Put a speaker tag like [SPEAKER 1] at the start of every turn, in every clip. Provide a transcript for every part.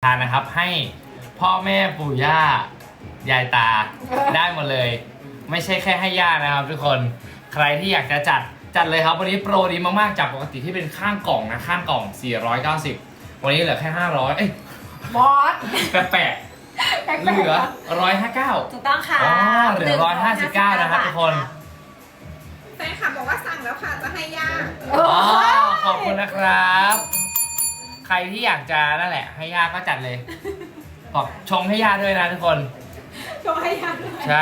[SPEAKER 1] ทานนะครับให้พ่อแม่ปู่ย่ายายตาได้หมดเลย ไม่ใช่แค่ให้ย่านะครับทุกคนใครที่อยากจะจัดเลยครับวันนี้โปรดีมากๆจากปกติที่เป็นข้างกล่องนะข้างกล่อง490วันนี้เหลือแค่500เอ้ย
[SPEAKER 2] บอส
[SPEAKER 1] แปลกๆเหลือ159
[SPEAKER 2] ถูกต้องค่ะ
[SPEAKER 1] อ๋อเหลือ159นะครับทุกคน
[SPEAKER 3] แฟนคลับบอกว่าสั่งแล้วค่ะจะให้ย่า
[SPEAKER 1] อ๋อขอบคุณนะครับใครที่อยากจะนั่นแหละให้ย่าก็จัดเลยบอกชงให้ย่าด้วยนะทุกคน
[SPEAKER 2] ชงให้ยัน
[SPEAKER 1] ใช่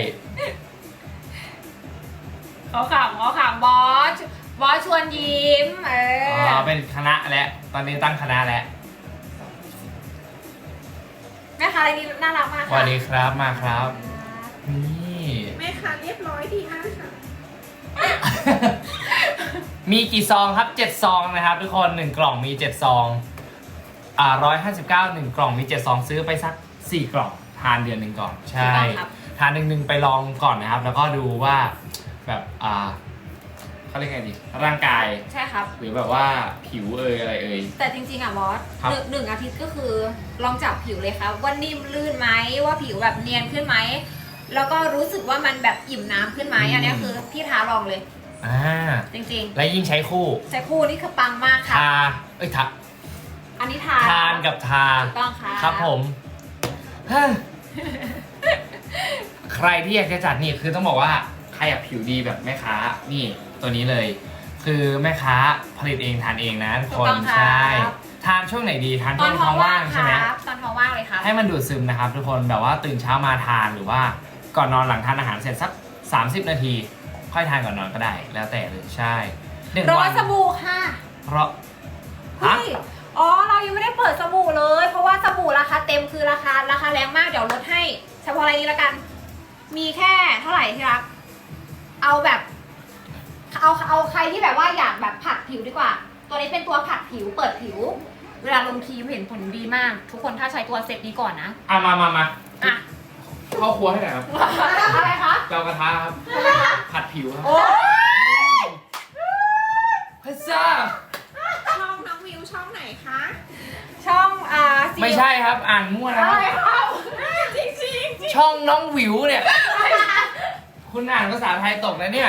[SPEAKER 2] เขาขำบอสชวนยิ้ม
[SPEAKER 1] เป็นคณะแล้วตอนนี้ตั้งคณะแล้ว
[SPEAKER 2] แม่ค้าอะไรนี่น่ารักมาก
[SPEAKER 1] ส
[SPEAKER 2] ค่ะ
[SPEAKER 1] วัสดีครับมาครับนี่
[SPEAKER 3] แม่ค่ะเรียบร้อยดีมากค่ะ
[SPEAKER 1] มีกี่ซองครับ7ซองนะครับทุกคน1กล่องมี7ซอง159 1กล่องมี7ซองซื้อไปสัก4กล่องทานเดือน1ก่อนใช่ทานหนึ่งไปลองก่อนนะครับแล้วก็ดูว่าแบบเขาเรียกไงดีร่างกาย
[SPEAKER 2] ใช่ครับ
[SPEAKER 1] หรือแบบว่าผิวอะไรเอ่ย
[SPEAKER 2] แต่จริงๆอ่ะบอส
[SPEAKER 1] ครับ
[SPEAKER 2] หนึ่งอาทิตย์ก็คือลองจับผิวเลยครับว่านิ่มลื่นไหมว่าผิวแบบเนียนขึ้นไหมแล้วก็รู้สึกว่ามันแบบอิ่มน้ำขึ้นไหมอันนี้คือพี่ท้าลองเลยจริง
[SPEAKER 1] และยิ่งใช้คู่
[SPEAKER 2] ๆใช้คู่นี่คือปังมากค่ะ
[SPEAKER 1] ทาทา
[SPEAKER 2] อันนี้ทา
[SPEAKER 1] ทานกับทา
[SPEAKER 2] ถูกต้องค่ะ
[SPEAKER 1] ครับผม ใครที่อยากจะจัดนี่คือต้องบอกว่าใครอยากผิวดีแบบแม่ค้านี่ตัวนี้เลย คือแม่ค้าผลิตเองทานเองนะทุกคนใช่ทานช่วงไหนดีทาน
[SPEAKER 2] ต
[SPEAKER 1] ช่
[SPEAKER 2] อ
[SPEAKER 1] วน ง
[SPEAKER 2] ท้
[SPEAKER 1] ท้
[SPEAKER 2] อ
[SPEAKER 1] อง ง
[SPEAKER 2] ว่า
[SPEAKER 1] ว่าง ง
[SPEAKER 2] ค
[SPEAKER 1] ใช่ไหม
[SPEAKER 2] รับตอนท้องว่างเลยครับ
[SPEAKER 1] ให้มันดูดซึมนะครับทุกคนแบบว่าตื่นเช้ามาทานหรือว่าก่อนนอนหลังทานอาหารเสร็จสัก30 นาที ค่อยทานก่อนนอนก็ได้ แล้วแต่เลยใช่1
[SPEAKER 2] ร้อ
[SPEAKER 1] วั
[SPEAKER 2] ย
[SPEAKER 1] น
[SPEAKER 2] สบู่ค่ะ
[SPEAKER 1] เพราะ
[SPEAKER 2] เฮ้ยอ๋อ เรายังไม่ได้เปิดสบู่เลย เพราะว่าสบู่ราคาเต็มคือราคาแรงมาก เดี๋ยวลดให้ เฉพาะอะไรนี้แล้วกัน มีแค่เท่าไหร่ที่รัก เอาแบบ เอาใครที่แบบว่าอยากแบบผัดผิวดีกว่า ตัวนี้เป็นตัวผัดผิว เปิดผิว เวลาลงครีมเห็นผลดีมาก ทุกคนถ้าใช้ตัวเซตนี้ก่อนนะ
[SPEAKER 1] มา
[SPEAKER 2] อ่ะ
[SPEAKER 1] เข้าครัวให้หน่อยครับ
[SPEAKER 2] อะไรคะ
[SPEAKER 1] เตากระทะครับผัดผิวครับ
[SPEAKER 2] โอ้ย
[SPEAKER 1] พิซซ่า
[SPEAKER 3] ช่องน้องวิวช่องไหนคะ
[SPEAKER 2] ช่อง
[SPEAKER 1] ไม่ใช่ครับอ่านมั่วนะ
[SPEAKER 2] อะไรครับ
[SPEAKER 3] จริงจริง
[SPEAKER 1] ช่องน้องหวิวเนี่ย คุณอ่านภาษาไทยตกนะเนี่ย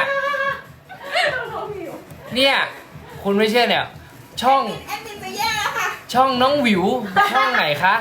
[SPEAKER 1] เนี่ยคุณไม่เชื่อเนี่ย ช่อง
[SPEAKER 3] แอดมินจะแย่แล้วค่ะ
[SPEAKER 1] ช่องน้องหวิวช่องไหนคะ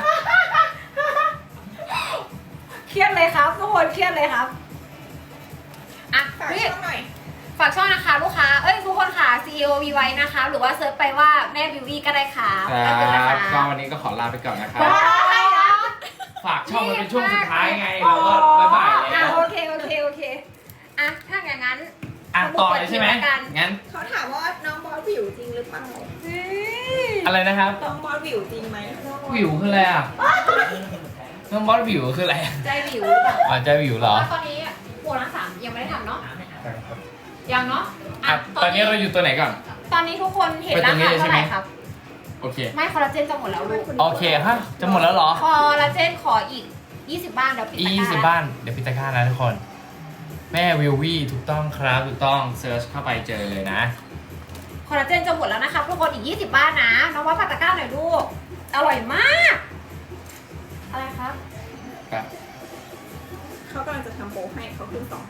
[SPEAKER 2] เครียดเลยครับทุกคนเครียดเลยครับอ่ะ
[SPEAKER 3] ฝาก
[SPEAKER 2] พี่
[SPEAKER 3] ช่องหน่อย
[SPEAKER 2] ฝากช่องนะคะลูกค้า เอ้ยทุกคนค่ะ CEO V ไว้นะคะ หรือว่าเซิร์ชไปว่าแม่บิววี่ก็ได้ค่ะ
[SPEAKER 1] ครับก็วันนี้ก็ขอลาไปก่อนนะครับ
[SPEAKER 2] ได้นะ
[SPEAKER 1] ฝากช่องมันเป็นช่วงสุดท้ายไงเราก็บ๊ายบายแล้ว
[SPEAKER 2] โอเคอ่ะถ้าอย่างนั้น
[SPEAKER 1] ต่อเลยใช่ไหม
[SPEAKER 2] สบู่เปิดผิวแล้วกัน
[SPEAKER 1] งั้น
[SPEAKER 3] เขาถามว่าน้องบอสวิวจริงหรือเปล่า
[SPEAKER 1] อะไรนะครับ
[SPEAKER 3] น้องบอสวิวจริงไหม
[SPEAKER 1] หวิวคืออะไรอ่ะน้องบอสหวิวคืออะไร
[SPEAKER 2] ใจวิวหรือเปล่า
[SPEAKER 1] อ๋อจะหวิวเหรอ
[SPEAKER 2] ตอนนี้โปรทั้งสามยังไม่ได้ทำเนาะยังเนาะ
[SPEAKER 1] ตอนนี้เราอยู่ตัวไหนก่อน
[SPEAKER 2] ตอนนี้ทุกคนเห็นราคาเท่าไหร่ครับ
[SPEAKER 1] โอเค
[SPEAKER 2] ไม่คอลลาเจนจะหมดแล้วลูก
[SPEAKER 1] โอเคฮะจะหมดแล้วเหรอ
[SPEAKER 2] คอลลาเจนขออีก20 บ้านเดี๋ยวปิดตะกร้า
[SPEAKER 1] 20 บ้านเดี๋ยวพิตาก้านะทุกคน แม่วิววี่ถูกต้องครับถูกต้องเซิร์ชเข้าไปเจอเลยนะ
[SPEAKER 2] คอลลาเจนจะหมดแล้วนะครับทุกคนอีก20 บ้านนะน้องว่าปัตตะกร้าหน่อยลูกอร่อยมาก อะไรครับ
[SPEAKER 1] ครับ
[SPEAKER 3] เขากำลังจะทำโปรให้เขาขึ้น259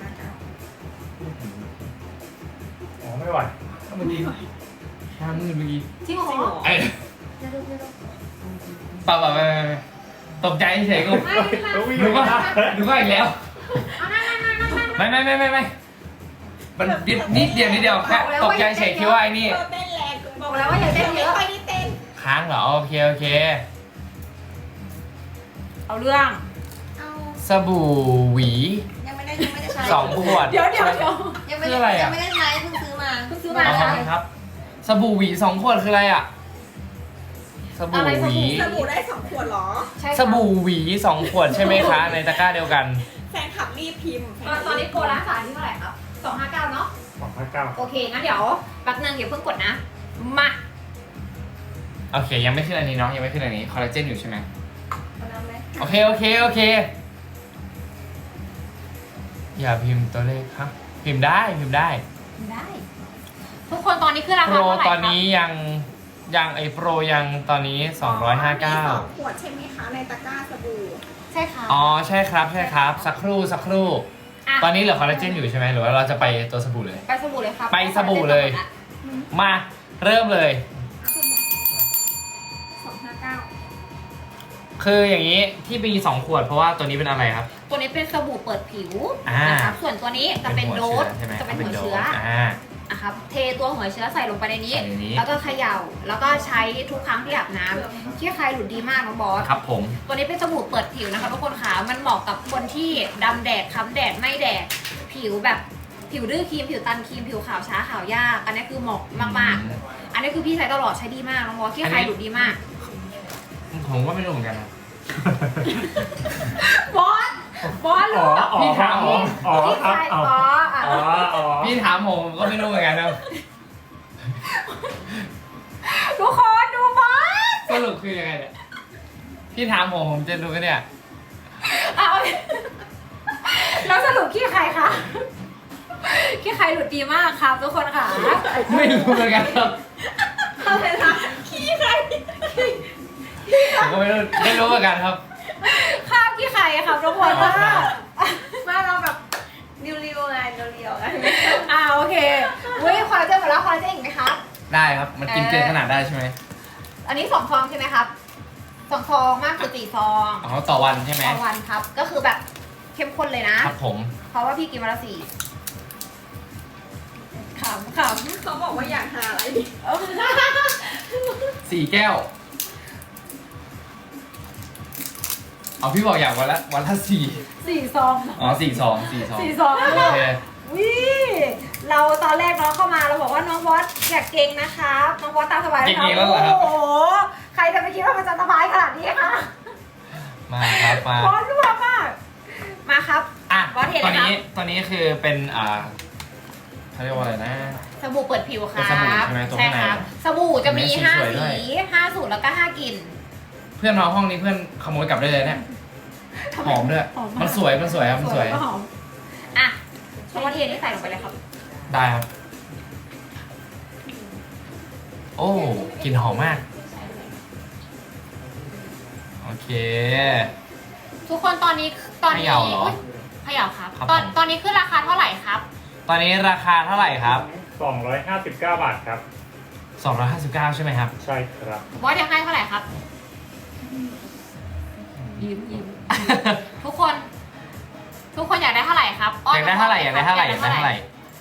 [SPEAKER 1] อ๋อไม่ไหวเมื่อกี้ห้ามือเมื่อกี้
[SPEAKER 2] จริงเหรอ
[SPEAKER 3] จริงเหรอ
[SPEAKER 1] ไอ้
[SPEAKER 2] เดี๋ยวดู
[SPEAKER 1] เปล่าไม่ตกใจเฉยๆกู
[SPEAKER 2] ไม่
[SPEAKER 1] ดูก็อีกแล้ว
[SPEAKER 2] เอานั่ง
[SPEAKER 1] ไม่มันนิดเดียวแค่ตกใจเฉยคิดว่าไอ้นี่
[SPEAKER 3] เธอเต้นแรงเกิน
[SPEAKER 2] บอกแล้วว่าอย่าเต้นเย
[SPEAKER 3] ไม่
[SPEAKER 2] อะ
[SPEAKER 3] ค่อยได้เต้น
[SPEAKER 1] ค้างเหรอโอเค
[SPEAKER 2] เอาเรื่อง
[SPEAKER 3] เอา
[SPEAKER 1] สบู่หวี
[SPEAKER 4] ยังไม่ได้ใช้
[SPEAKER 1] 2 ขวด
[SPEAKER 2] เดี๋ยว
[SPEAKER 4] ยังไม่
[SPEAKER 1] คืออะไร
[SPEAKER 4] ได้
[SPEAKER 1] อะ
[SPEAKER 4] ยังไม่ได้ใช้เพิ่งซื้อมา
[SPEAKER 2] เพิ่งซื้อมา
[SPEAKER 1] เอา
[SPEAKER 2] ใช่
[SPEAKER 1] ครับสบู่หวี2 ขวดคืออะไรอ่ะสบู่หวี
[SPEAKER 3] สบู่ได้2ขวดเหรอ
[SPEAKER 2] ใช่
[SPEAKER 1] สบู่หวี2 ขวดใช่ไหมคะในตะกร้าเดียวกัน
[SPEAKER 3] แฟนคลับรีบพิมพ์
[SPEAKER 2] ตอนนี้โปรร้านสาที่เท่าไหร่ครับ259เนาะ
[SPEAKER 1] 259
[SPEAKER 2] โอเคงั้นเดี๋ยวแป๊บนึงอย่าเพิ่งกดนะมา
[SPEAKER 1] โอเคยังไม่ขึ้นอันนี้เนาะยังไม่ขึ้นอันนี้คอลลาเจนอยู่ใช่ไหม
[SPEAKER 2] เอาน้ำเลย
[SPEAKER 1] โอเคอย่าพิมพ์ตัวเลขครับพิมพ์ได้
[SPEAKER 2] ได้ ทุกคนตอนนี้คือรา
[SPEAKER 1] โป
[SPEAKER 2] คาร เท่าไหร่
[SPEAKER 1] ตอน
[SPEAKER 2] ครับ
[SPEAKER 1] นี้ยังไอโปรยังตอนนี้
[SPEAKER 3] มีสองข
[SPEAKER 1] 259
[SPEAKER 3] วดใช่ไหมคะในตะกร้าสบู่
[SPEAKER 2] ใช่ค่ะ
[SPEAKER 1] อ๋อใช่ครับใช่ครับ สักครู่สักครู่
[SPEAKER 2] ะ
[SPEAKER 1] ตอนนี้เหลือคอลลาเจนอยู่ใช่ไหมหรือว่าเราจะไปตัวสบู่เลย
[SPEAKER 2] ไปสบู่เลยครับ
[SPEAKER 1] ไปสบู่เลย มาเริ่มเลย
[SPEAKER 3] 259
[SPEAKER 1] คืออย่างนี้ที่มี2ขวดเพราะว่าตัวนี้เป็นอะไรครับ
[SPEAKER 2] ตัวนี้เป็นสบู่เปิดผิว
[SPEAKER 1] อ่าน
[SPEAKER 2] นะครับส่วนตัวนี้จะเป็นโดส
[SPEAKER 1] ใช่ไหม
[SPEAKER 2] จะเป็นหัวเชื้อ นะครับเทตัวหัวเชื้อใส่ลงไปในนี้
[SPEAKER 1] ใส่ในนี้
[SPEAKER 2] แล้วก็เขย่าแล้วก็ใช้ทุกครั้งที่อาบน้ำที่ใครหลุดดีมากน้องบอส
[SPEAKER 1] ครับผม
[SPEAKER 2] ตัวนี้เป็นสบู่เปิดผิวนะคะทุกคนค่ะมันเหมาะกับคนที่ดำแดดค้ำแดดไม่แดดผิวแบบผิวดื้อครีมผิวตันครีมผิวขาวช้าขาวยากอันนี้คือเหมาะมากๆ อันนี้คือพี่ใช้ตลอดใช้ดีมากน้องบอสที่ใครหลุดดีมาก
[SPEAKER 1] ผมก็ไม่รู้เหมือนกันนะ
[SPEAKER 2] บอสบอสรู้
[SPEAKER 1] พี่ถามผม
[SPEAKER 2] ที่ใครบอสอ่ะ
[SPEAKER 1] พี่ถามผมก็ไม่รู้เหมือนกันนะ
[SPEAKER 2] ทุกคนดูบอส
[SPEAKER 1] สรุปคือยังไงเนี่ยพี่ถามผมจะดูกันเนี่ย
[SPEAKER 2] เอาแล้วสรุปขี้ใครคะขี้ใครหลุดดีมากครับทุกคนค่ะ
[SPEAKER 1] ไม่รู้เหมือนกันครับ
[SPEAKER 2] เอาเลยนะขี้ใคร
[SPEAKER 1] ผมก็ไม่รู้เหมือนกันครับ
[SPEAKER 2] ข้าวขี้ใครอะครับทุกคนค่ะ
[SPEAKER 4] ว่าเราแบบเรียวๆไงเรียวๆไง
[SPEAKER 2] โอเคเว้ยคอลลาเจนหมดแล้วคอลลาเจนอีกไหมครับ
[SPEAKER 1] ได้ครับมันกินเกินขนาดได้ใช่ไหม
[SPEAKER 2] อันนี้2 ซองใช่ไหมครับ2 ซองมากสุด4 ซอง
[SPEAKER 1] อ๋อต่อวันใช่ไหม
[SPEAKER 2] ต่อวันครับ ก็คือแบบเข้มข้นเลยนะครับ
[SPEAKER 1] ผม
[SPEAKER 2] เพราะว่าพี่กินวันละ4ขำ
[SPEAKER 3] เขาบอกว่าอยากหาอะไรดี
[SPEAKER 1] 4 แก้วเอาพี่บอกอยากวันละ4
[SPEAKER 2] 4 ซอง
[SPEAKER 1] อ๋อ4 ซอง
[SPEAKER 2] 4 ซอง
[SPEAKER 1] โอเค
[SPEAKER 2] วิเราตอนแรกน้องเข้ามาเราบอกว่าน้องบอสอยากเก่งนะครับน้องบอสตามสบายนะครับ
[SPEAKER 1] เก่งๆแล้วเหรอครับ
[SPEAKER 2] โอ้โหใครจะไปคิดว่ามันจะสบายขนาดนี้คะ
[SPEAKER 1] มาครับมา
[SPEAKER 2] บอสรั่วมากมาครับ
[SPEAKER 1] อ่ะ
[SPEAKER 2] บอสเห็น
[SPEAKER 1] ต
[SPEAKER 2] เล
[SPEAKER 1] อน
[SPEAKER 2] ยค
[SPEAKER 1] นี้
[SPEAKER 2] รับ
[SPEAKER 1] ตอนนี้คือเป็นเขาเรียกว่าอะไรนะ
[SPEAKER 2] สบู่เปิดผิวครับ
[SPEAKER 1] เป็นสบู่ใช่ไหมตัว
[SPEAKER 2] ใช่
[SPEAKER 1] ข้างใน
[SPEAKER 2] ครับสบู่จะมี
[SPEAKER 1] เห็นไหม
[SPEAKER 2] 5
[SPEAKER 1] สวยๆด้วย
[SPEAKER 2] สี5 สูตรแล้วก็5 กลิ่น
[SPEAKER 1] เพื่อนมาห้องนี้เพื่อนขโมยกลับได้เลยเนี่ยหอมด้วย
[SPEAKER 2] หอมมาก
[SPEAKER 1] มันสวยครับมันสวย
[SPEAKER 2] แล้วก็หอมอ่ะน้องบอสเทนี่ใส่ลงไปเลยครับ
[SPEAKER 1] ได้ครับ โอ้กลิ่นหอมมากโอเค
[SPEAKER 2] ทุกคนตอนนี้
[SPEAKER 1] เขย่าเหรอ
[SPEAKER 2] อุ๊ยเขย่าครับ
[SPEAKER 1] ครับ
[SPEAKER 2] ตอน
[SPEAKER 1] ผม
[SPEAKER 2] ตอนนี้ขึ้นราคาเท่าไหร่ครับ
[SPEAKER 1] ตอนนี้ราคาเท่าไหร่ครับ
[SPEAKER 5] 259 บาทครับ
[SPEAKER 1] 259ใช่ไหมครับ
[SPEAKER 5] ใช่ครับ
[SPEAKER 2] บอสอยากให้เท่าไหร่ครับยิ้มทุกคน ทุกคนอยากได้เท่าไหร่ครับ
[SPEAKER 1] อยากได้เท่าไหร่อยากได้เท่าไหร่อยากได้เท่าไหร่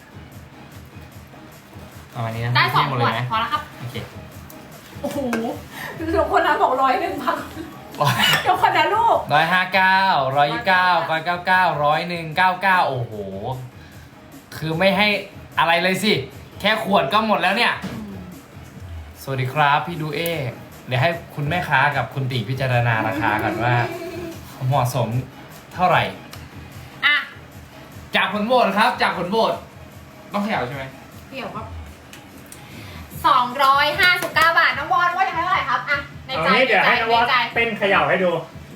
[SPEAKER 1] ประมาณนี้นะ
[SPEAKER 2] ได้2
[SPEAKER 1] หม
[SPEAKER 2] ข
[SPEAKER 1] ดเล
[SPEAKER 2] วด
[SPEAKER 1] ยไหม
[SPEAKER 2] พอแล้วครับ
[SPEAKER 1] โอเค
[SPEAKER 2] โอ้โหทุกคนนะบอก101พักทุกคนนะลูก
[SPEAKER 1] 159 129 199 101 99โอ้โห คือไม่ให้อะไรเลยสิ แค่ขวดก็หมดแล้วเนี่ย สวัสดีครับพี่ดูเอ เดี๋ยวให้คุณแม่ค้ากับคุณตีพิจารณาราคากันว่า เหมาะสมเท่าไหร่
[SPEAKER 2] อ่ะ
[SPEAKER 1] จากผลโหวตครับ จากผลโหวตต้องเขย่าใช่ไหม
[SPEAKER 2] เกี่ยวครับ259 บาทน้องบอลว่าจะให้เท่าไหร่ครับอ่ะใน
[SPEAKER 5] เอา
[SPEAKER 2] ใจ
[SPEAKER 5] งี้เดี๋ยวให้นวัด
[SPEAKER 2] ในใจ
[SPEAKER 5] เต้นเขย่าให้ดู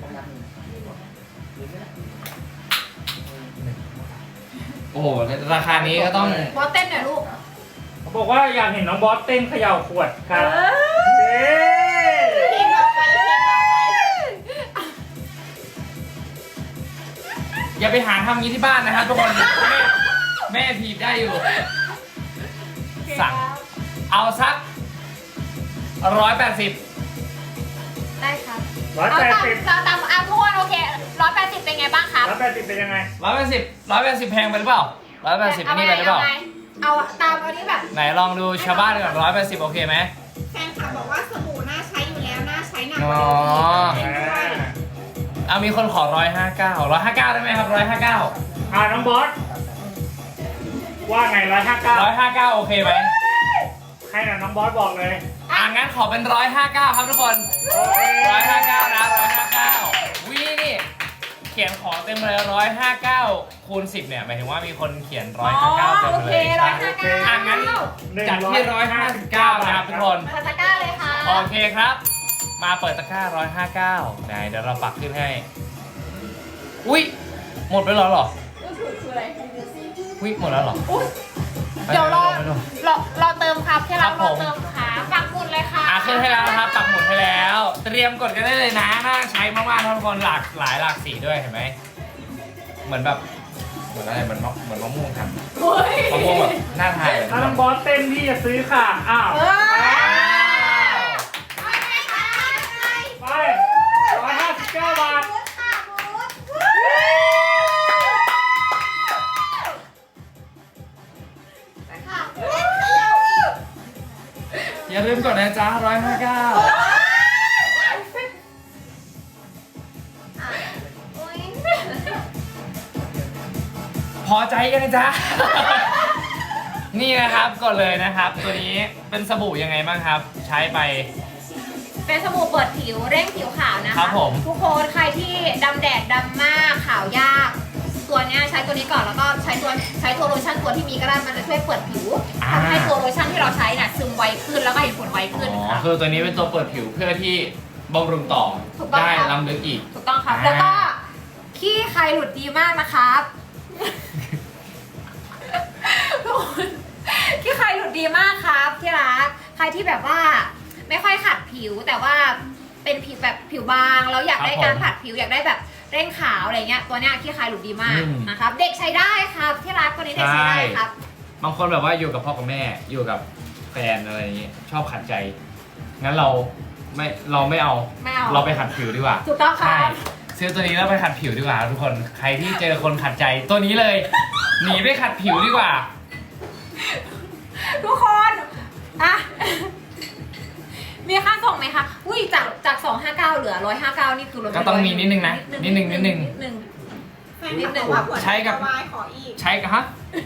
[SPEAKER 1] โอ้โห ราคานี้ก็ต้อง
[SPEAKER 2] บอสเต้นหน่อยลูก
[SPEAKER 5] เขาบอกว่าอยากเห็นน้องบอสเต้นเขย่าขวดครับเย้
[SPEAKER 2] เพลงต่อไปเพลงต่อไป
[SPEAKER 1] อย่าไปหาทำงี้ที่บ้านนะครับทุกคน แม่ถีบได้อยู่ สั่ง เอาสัก180
[SPEAKER 2] ได้ครับ
[SPEAKER 5] 180
[SPEAKER 2] เราตามทุกคนโอเค180เป็นไงบ้างครับ
[SPEAKER 5] 180เป็นยังไง
[SPEAKER 1] 180แพงไปหรือเปล่า180อันนี้ไปหรือเปล่า
[SPEAKER 2] เอาตามเอานี้แบบ
[SPEAKER 1] ไหนลองดูชาวบ้านก่อน180โอเคไหม
[SPEAKER 3] แฟนคลับบอกว่าสบู่น่าใช้อยู่แล้วน่าใช้หนักก
[SPEAKER 1] อ๋
[SPEAKER 3] ว่า
[SPEAKER 1] อ
[SPEAKER 3] เดิมอีกเล่นด้วย
[SPEAKER 1] เอามีคนขอ159ได้ไหมครับ159
[SPEAKER 5] น้องบอส ว่าไง 159
[SPEAKER 1] 159โอเคไหม
[SPEAKER 5] ให้หน่อยน้องบอสบอกเลย
[SPEAKER 1] งั้นขอเป็น159ครับทุกคน
[SPEAKER 5] โอเค
[SPEAKER 1] 159นะ159วินี่เขียนขอเต็มเลย159คูณ10เนี่ยหมายถึงว่ามีคนเขียน159เต็ม
[SPEAKER 2] โอ
[SPEAKER 1] เล
[SPEAKER 2] เค
[SPEAKER 1] ย
[SPEAKER 2] 159
[SPEAKER 1] งั้นจัดที่159นะครับทุกคน
[SPEAKER 2] มาตะกร้าเลยค่ะ
[SPEAKER 1] โอเคครับ มาเปิดตะกร้า159ไหนเดี๋ยวเราปักขึ้นให้ อุ้ยหมดไปแล้วเหรอ
[SPEAKER 3] ก็คืออะไร
[SPEAKER 1] อุ้ยหมดแล้วเหรอ
[SPEAKER 2] เดี๋ยวรอ
[SPEAKER 1] ไม่รู้
[SPEAKER 2] รอเติมครับที่เรา
[SPEAKER 1] ครับ
[SPEAKER 2] ร
[SPEAKER 1] ผ
[SPEAKER 2] อ
[SPEAKER 1] ม
[SPEAKER 2] เติมค่ะปักหมุดเลยค่ะ
[SPEAKER 1] ขึ้นให้แล้วนะครับปักหมุดให้แล้ว เตรียมกดกันได้เลยนะน่าใช้มากๆทุกคนหลากสีด้วยเห็นไหมเหมือนแบบเหมือนอะไรเหมือนมะม่วงครับ
[SPEAKER 2] เฮ้ย
[SPEAKER 1] มะม่วงแบบน่าทานเลย
[SPEAKER 5] ถ้าน้องบอสเต้นพี่จะซื้อค่ะ อ้าว
[SPEAKER 2] เออ
[SPEAKER 5] ไป159 บาท
[SPEAKER 1] อย่าลืมกดนะจ๊ะ159พอใจยังจ๊ะ นี่นะครับกดเลยนะครับ ตัวนี้เป็นสบู่ยังไงบ้างครับ ใช้ไป
[SPEAKER 2] เป็นสบู่เปิดผิวเร่งผิวขาวนะคะ
[SPEAKER 1] ครับผม
[SPEAKER 2] ทุกคนใครที่ดำแดดดำมากขาวยาก ตัวเนี้ยใช้ตัวนี้ก่อนแล้วก็ใช้ตัวโลชั่นตัวที่มีก็ได้มันจะช่วยเปิดผิวทำให้ตัวโลชั่นที่เราใช้น่ะซึมไวขึ้นแล้วก็เห็นผลไวขึ้นค่ะ
[SPEAKER 1] คือตัวนี้เป็นตัวเปิดผิวเพื่อที่บำรุงต่อ
[SPEAKER 2] ถูกต้อง
[SPEAKER 1] ได้
[SPEAKER 2] ครับ
[SPEAKER 1] ล้ำลึกอีก
[SPEAKER 2] ถูกต้องครับ
[SPEAKER 1] อ่า
[SPEAKER 2] แล้วก็ขี้ใครหลุดดีมากนะครับ ทุกคนขี้ใครหลุดดีมากครับที่รักใครที่แบบว่าไม่ค่อยขัดผิวแต่ว่าเป็นผิวแบบผิวบางแล้วอยากได้การผัดผิวอยากได้แบบเร่งขาวอะไรเงี้ยตัวเนี้ยขี้ใครหลุดดีมากนะครับเด็กใช้ได้ครับที่รักตัวนี้เด็กใช้ได้ครับ
[SPEAKER 1] บางคนแบบว่าอยู่กับพ่อกับแม่อยู่กับแฟนอะไรอย่างเงี้ยชอบขัดใจ งั้นเราไม่เอา
[SPEAKER 2] ไม่เอา
[SPEAKER 1] เราไปขัดผิวดีกว่า
[SPEAKER 2] ถูกต้องค
[SPEAKER 1] ใช่
[SPEAKER 2] รับ
[SPEAKER 1] ซื้อตัวนี้แล้วไปขัดผิวดีกว่าทุกคนใครที่เจอคนขัดใจตัวนี้เลย หนีไปขัดผิวดีกว่า
[SPEAKER 2] ทุกคนอ่ะ มีค่าส่งไหมคะอุ้ยจาก259เหลือ159นี่คือลดไป
[SPEAKER 1] ก็ต้องมีนิดนึงนะนิดนึง
[SPEAKER 3] แฟนคลับบอกว่าหัวใจ
[SPEAKER 1] ใช้กับ
[SPEAKER 3] วายขออีก
[SPEAKER 1] ใช้กันฮะ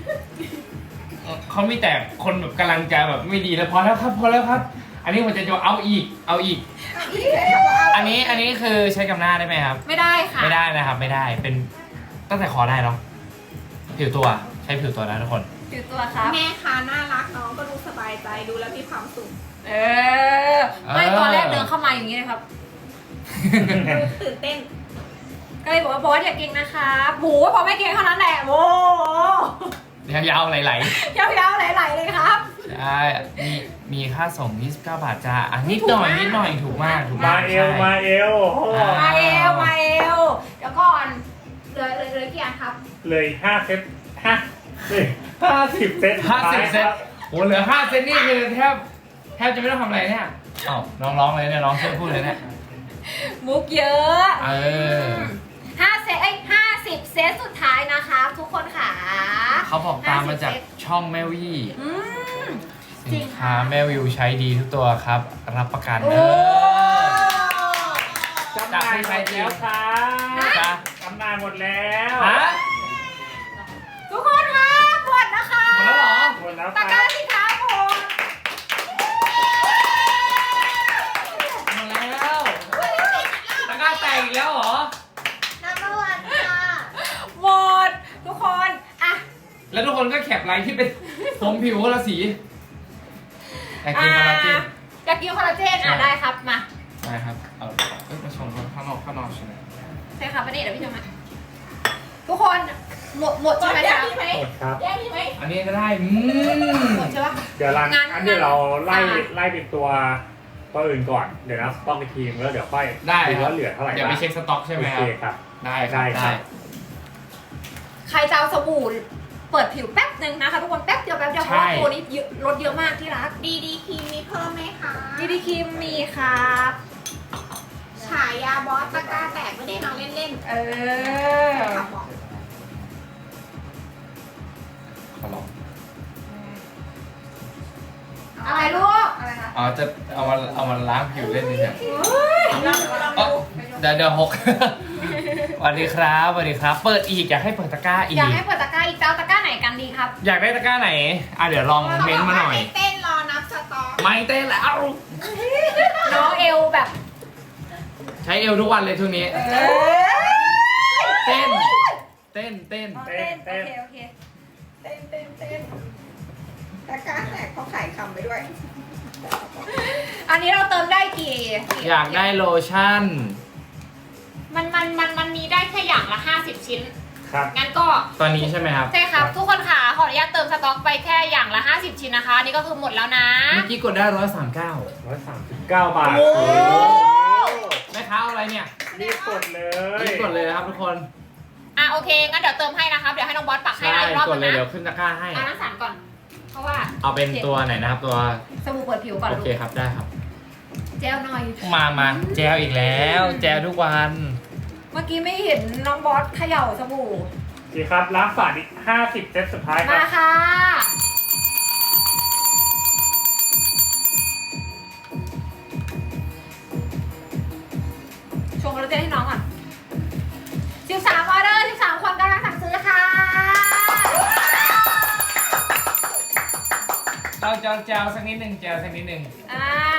[SPEAKER 1] เขามีแต่คนแบบกำลังใจแบบไม่ดีแล้วพอแล้วครับพอแล้วครับ อันนี้มันจะเอาอีก อันนี้คือใช้กับหน้าได้ไหมครับ
[SPEAKER 2] ไม่ได้ค่ะ
[SPEAKER 1] ไม่ได้นะครับไม่ได้เป็นตั้งแต่คอได้เนาะผิวตัวใช้ผิวตัวนะทุกคน
[SPEAKER 2] ถือตัวครับ
[SPEAKER 3] แม่ค้าน่ารักน้องก็ดูสบายใจดูแล้วมีความสุข
[SPEAKER 2] ไม่ตอนแรกเดินเข้ามาอย่างนี้เลยครับ
[SPEAKER 3] ดูตื่นเต้น
[SPEAKER 2] ก็เลยบอกว่าบอสอย่าเก่งนะคะโหพอไม่เก่งเท่านั้นแหละโอ้
[SPEAKER 1] ยาวๆไหล
[SPEAKER 2] ยาวๆไหลๆเลยครับ
[SPEAKER 1] ๆใช่มีค่าส่ง29 บาทจ้าอ่ะนิดหน่อยถูกมาก
[SPEAKER 5] มา
[SPEAKER 1] ใช่
[SPEAKER 5] เอวมาเอวโอ้โห
[SPEAKER 2] มาเอวเดี๋ยวก่อนเลยกี่อันครับ
[SPEAKER 5] เลย5 เซต50 เซต
[SPEAKER 1] 50 เซตโหเหลือ5 เซตนี่คือแทบจะไม่ต้องทำอะไรเนี่ยอ้าวน้องร้องเลยเนี่ยน้องช่วยพูดเลยเนี่ย
[SPEAKER 2] มุกเยอะ
[SPEAKER 1] เออ
[SPEAKER 2] 50 เซตสุดท้ายนะคะทุกคนค่ะ
[SPEAKER 1] เขาบอกตามมาจากช่องแม่วี่
[SPEAKER 2] อืม จริ
[SPEAKER 1] สิ
[SPEAKER 2] ง
[SPEAKER 1] น
[SPEAKER 2] ค่ะ
[SPEAKER 1] ค้าแม่วิวใช้ดีทุกตัวครับ รับประกัน
[SPEAKER 2] โอ้
[SPEAKER 5] จำหน่ายหมดแล้วค่ะ
[SPEAKER 1] จ้า
[SPEAKER 5] จำหน่ายหมดแล้ว
[SPEAKER 1] ฮะ
[SPEAKER 2] ทุกคนค่ะหมดนะคะ
[SPEAKER 1] หมดแล้วเหรอ
[SPEAKER 5] หมดแล้ว
[SPEAKER 2] ตะ
[SPEAKER 5] ค่ะ
[SPEAKER 2] กร้าสินค้าผม
[SPEAKER 1] หมดแล้วตะกร้าแตกอีกแล้วเหรอ
[SPEAKER 4] #1 ค่ะ
[SPEAKER 2] หมดทุกคนอ่ะ
[SPEAKER 1] แล้วทุกคนก็แคปไลน์ที่เป็นผมผิวคนละสีแต่กินคอลลาเจน
[SPEAKER 2] อยากกินคอลลาเจนอ่ะได้ครับมา
[SPEAKER 1] ได้ครับ เอามาชมข้างนอกใช่ไหม
[SPEAKER 2] ใช่ครับประเดี๋ยวพี่ชมมาทุกคนหมดใช่ไหม
[SPEAKER 3] แย
[SPEAKER 2] จ๊ะ
[SPEAKER 3] กดีไหม
[SPEAKER 5] หมดครับ
[SPEAKER 3] แยกดีไหม
[SPEAKER 1] อันนี้ก็ได้
[SPEAKER 2] หมดใช่ปะ
[SPEAKER 5] เดี๋ยวรัน
[SPEAKER 2] งั้น
[SPEAKER 5] อันเดี๋ยวเราไล่
[SPEAKER 2] อ่า
[SPEAKER 5] ไล่เป็นตัวอื่นก่อน เดี๋ยวนะสต็อกอีกทีแล้วเดี๋ยวค่อย
[SPEAKER 1] ได้
[SPEAKER 5] ดู
[SPEAKER 1] ครับ
[SPEAKER 5] ว่าเหลือเท่าไหร่
[SPEAKER 1] เดี๋ยวไปเช็คสต็อกใช่ไหม
[SPEAKER 5] โอ
[SPEAKER 1] ค
[SPEAKER 5] เครับ ครับ
[SPEAKER 1] ได้
[SPEAKER 5] ได้ครับ
[SPEAKER 2] ใครจะเอาสบู่เปิดผิวแป๊บนึงนะคะทุกคนแป๊บเดียวเพราะว่าตัวนี้ลดเยอะมากที่รัก
[SPEAKER 3] ดีครีมมีเพิ่มไหมคะ
[SPEAKER 2] ดีครีมมีครับ
[SPEAKER 3] ฉายาบอสตะกร้าแตกไม่ได้มาเล่น
[SPEAKER 2] เอ
[SPEAKER 3] ๆ
[SPEAKER 2] อ
[SPEAKER 3] ขับบอก
[SPEAKER 1] ขอลอง
[SPEAKER 2] อะไรลูก
[SPEAKER 3] อะไรคะ
[SPEAKER 1] อ๋อจะเอามาล้างผิวเล่นดิเนี่ย
[SPEAKER 3] ลองดู
[SPEAKER 1] เดี๋ยวหก สวัสดีครับสวัสดีครับ เปิดอีกอยากให้เปิดตะกร้าอีก
[SPEAKER 2] อยากให้เปิดตะกร้าอีกเจ้าตะกร้าไหนกันดีครับ
[SPEAKER 1] อยากได้ตะกร้าไหนเดี๋ยวลองเม้นต์มาหน่อย
[SPEAKER 3] ไม่เต้นรอนับสต็อก
[SPEAKER 1] ไม่เต้นแล้ว
[SPEAKER 2] น้องเอวแบบ
[SPEAKER 1] ใช้เอวทุกวันเลยช่วงนี้ เต้น
[SPEAKER 2] เต้นโอเค
[SPEAKER 3] เต้นตะกร้าแตกเขาขายคำไปด้วย
[SPEAKER 2] อันนี้เราเติมได้กี่
[SPEAKER 1] อยากได้โลชั่น
[SPEAKER 2] มันมีได้แค่อย่างละ50 ชิ้น
[SPEAKER 5] ครับ
[SPEAKER 2] งั้นก็
[SPEAKER 1] ตอนนี้ใช่ไหมครับ
[SPEAKER 2] ใช่ครับ ทุกคนค่ะขออนุญาตเติมสต็อกไปแค่อย่างละ 50 ชิ้นนะคะอันนี่ก็คือหมดแล้วนะ
[SPEAKER 1] เมื่อกี้กดได้139
[SPEAKER 5] 139 บาท
[SPEAKER 2] โอ้
[SPEAKER 1] แม่ค้าเอาอะไรเนี่ย
[SPEAKER 5] รีบกดเลย
[SPEAKER 1] รีบกดเลยนะครับทุกคน
[SPEAKER 2] อ่ะโอเคงั้นเดี๋ยวเติมให้นะครับเดี๋ยวให้น้องบอสปักให้
[SPEAKER 1] ใช่
[SPEAKER 2] นะอีกรอบ
[SPEAKER 1] กด
[SPEAKER 2] นึง
[SPEAKER 1] เลย
[SPEAKER 2] นะ
[SPEAKER 1] เดี๋ยวขึ้นตะกร้าให้
[SPEAKER 2] เอาน้ำสารก่อน เพราะว่า
[SPEAKER 1] เอาเป็นตัวไหนนะครับตัว
[SPEAKER 2] สบู่เปิดผิวก่อน
[SPEAKER 1] โอ
[SPEAKER 2] ลู
[SPEAKER 1] เค
[SPEAKER 2] ก
[SPEAKER 1] ครับได้ครับ
[SPEAKER 2] เจลหน่อย
[SPEAKER 1] มาแจวอีกแล้ว แจวทุกวัน
[SPEAKER 2] เมื่อกี้ไม่เห็นน้องบอสเขย่าสบู่
[SPEAKER 5] โอเคครับล้างฝาอีก50 เซตสุดท้ายค
[SPEAKER 2] มา
[SPEAKER 5] รับ
[SPEAKER 2] ค่ะชงโคลลาเจนให้น้องก่อน13ออเดอร์13คนกำลังสั่งซื้อค่ะ
[SPEAKER 1] เราแจวสักนิดหนึ่งแจวสักนิดหนึ่ง
[SPEAKER 2] อ่า